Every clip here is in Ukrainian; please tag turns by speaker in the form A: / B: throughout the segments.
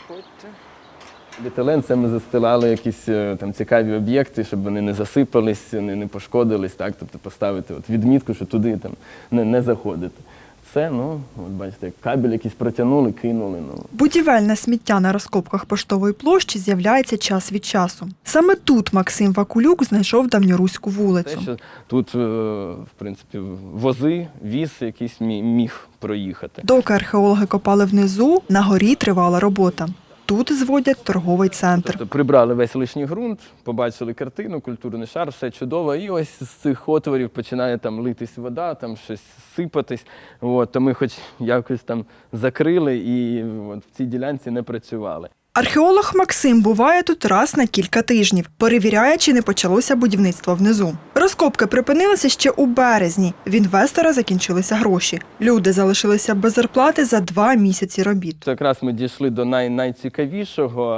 A: Проходьте. Бетелен – це ми застилали якісь там цікаві об'єкти, щоб вони не засипались, не пошкодились, так? Тобто поставити відмітку, що туди там не заходити. Це, от бачите, кабель якийсь протягнули, кинули.
B: Будівельне сміття на розкопках Поштової площі з'являється час від часу. Саме тут Максим Вакулюк знайшов давньоруську вулицю.
A: Те, що тут, в принципі, вози, віз якийсь міг проїхати.
B: Доки археологи копали внизу, на горі тривала робота. Тут зводять торговий центр.
A: Тобто прибрали весь лишній ґрунт, побачили картину, культурний шар, все чудово. І ось з цих отворів починає там литись вода, там щось сипатись. То ми хоч якось там закрили і в цій ділянці не працювали.
B: Археолог Максим буває тут раз на кілька тижнів, перевіряє, чи не почалося будівництво внизу. Розкопки припинилися ще у березні. В інвестора закінчилися гроші. Люди залишилися без зарплати за 2 місяці робіт.
A: Якраз ми дійшли до найцікавішого.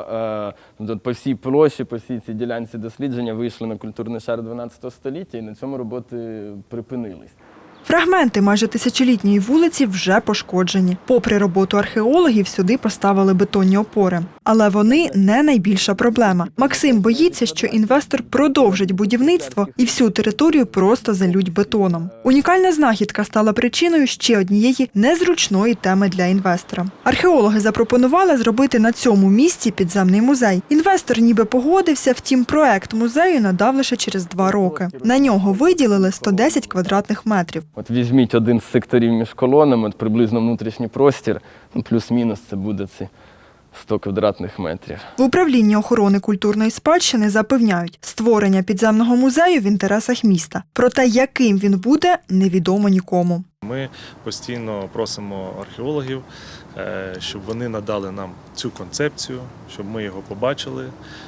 A: По всій площі, по всій цій ділянці дослідження вийшли на культурний шар 12 століття і на цьому роботи припинились.
B: Фрагменти майже тисячолітньої вулиці вже пошкоджені. Попри роботу археологів, сюди поставили бетонні опори. Але вони не найбільша проблема. Максим боїться, що інвестор продовжить будівництво і всю територію просто залють бетоном. Унікальна знахідка стала причиною ще однієї незручної теми для інвестора. Археологи запропонували зробити на цьому місці підземний музей. Інвестор ніби погодився, втім проект музею надав лише через 2 роки. На нього виділили 110 квадратних метрів.
A: От візьміть один з секторів між колонами, приблизно внутрішній простір, плюс-мінус це буде ці 100 квадратних метрів.
B: В управлінні охорони культурної спадщини запевняють, створення підземного музею в інтересах міста. Проте, яким він буде, невідомо нікому.
C: Ми постійно просимо археологів, щоб вони надали нам цю концепцію, щоб ми його побачили,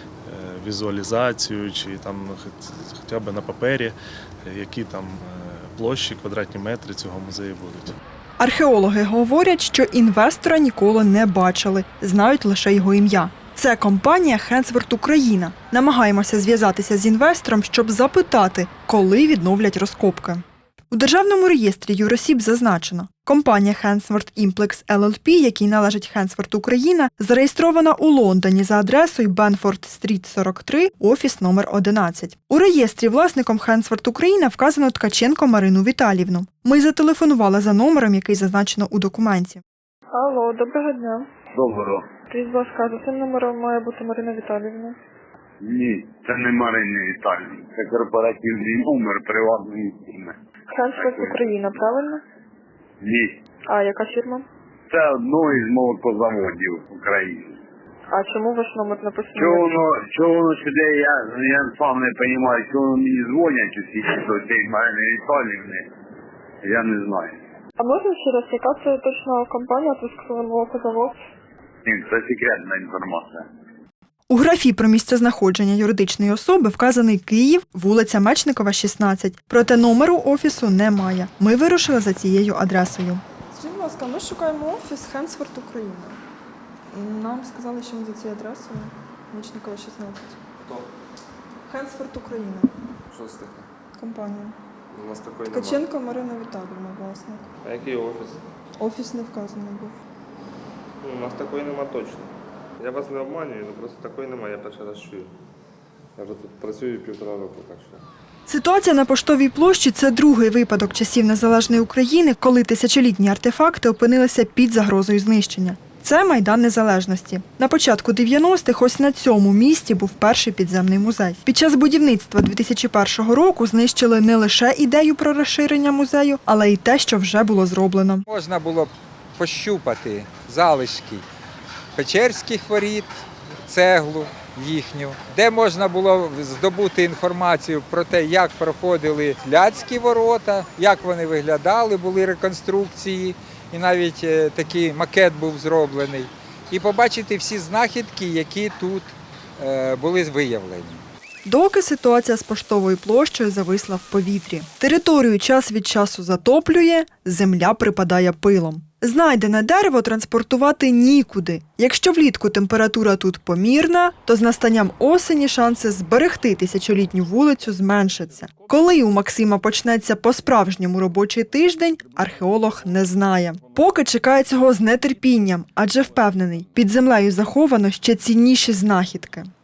C: візуалізацію чи там хоча б на папері, які там площі, квадратні метри цього музею будуть.
B: Археологи говорять, що інвестора ніколи не бачили, знають лише його ім'я. Це компанія «Хенсворт Україна». Намагаємося зв'язатися з інвестором, щоб запитати, коли відновлять розкопки. У Державному реєстрі юросіб зазначено, компанія «Хенсворт Імплекс ЛЛП», якій належить «Хенсворт Україна», зареєстрована у Лондоні за адресою Бенфорд-стріт, 43, офіс номер 11. У реєстрі власником «Хенсворт Україна» вказано Ткаченко Марину Віталіївну. Ми зателефонували за номером, який зазначено у документі.
D: Алло, доброго дня.
E: Доброго.
D: Скажіть, будь ласка, за цим номером має бути Марина Віталіївна.
E: Ні, це не Марина Віталіївна. Це корпоративний номер приватної фірми.
D: Хенсворт Україна, правильно?
E: Ні.
D: А яка фірма?
E: Це одно із молокозаводів України.
D: А чому ваш номер написано?
E: Чого воно сюди, я сам не розумію, чого вони мені дзвонять усі до цієї Марини Віталіївни, я не знаю.
D: А можна ще раз, яка це точно компанія, Трускавець молокозавод?
E: Ні, це секретна інформація.
B: У графі про місцезнаходження юридичної особи вказаний Київ, вулиця Мечникова, 16. Проте номеру офісу немає. Ми вирушили за цією адресою.
F: Скажіть, будь ласка, ми шукаємо офіс «Хенсворт Україна». Нам сказали, що він за цією адресою Мечникова, 16.
G: Хто?
F: «Хенсворт Україна».
G: Що це таке?
F: Компанія.
G: У нас такої немає.
F: Ткаченко Марина Віталіївна, власник.
G: А який офіс?
F: Офіс не вказаний був.
G: У нас такої нема точно. Я вас не обманюю, але просто такої немає, я перший раз чую. Я вже тут працюю 1,5 року, так що.
B: Ситуація на Поштовій площі – це другий випадок часів незалежної України, коли тисячолітні артефакти опинилися під загрозою знищення. Це Майдан Незалежності. На початку 90-х ось на цьому місці був перший підземний музей. Під час будівництва 2001 року знищили не лише ідею про розширення музею, але й те, що вже було зроблено.
H: Можна було пощупати залишки Печерських воріт, цеглу їхню, де можна було здобути інформацію про те, як проходили Ляцькі ворота, як вони виглядали, були реконструкції, і навіть такий макет був зроблений. І побачити всі знахідки, які тут були виявлені.
B: Доки ситуація з Поштовою площею зависла в повітрі. Територію час від часу затоплює, земля припадає пилом. Знайдене дерево транспортувати нікуди. Якщо влітку температура тут помірна, то з настанням осені шанси зберегти тисячолітню вулицю зменшаться. Коли у Максима почнеться по-справжньому робочий тиждень, археолог не знає. Поки чекає цього з нетерпінням, адже впевнений, під землею заховано ще цінніші знахідки.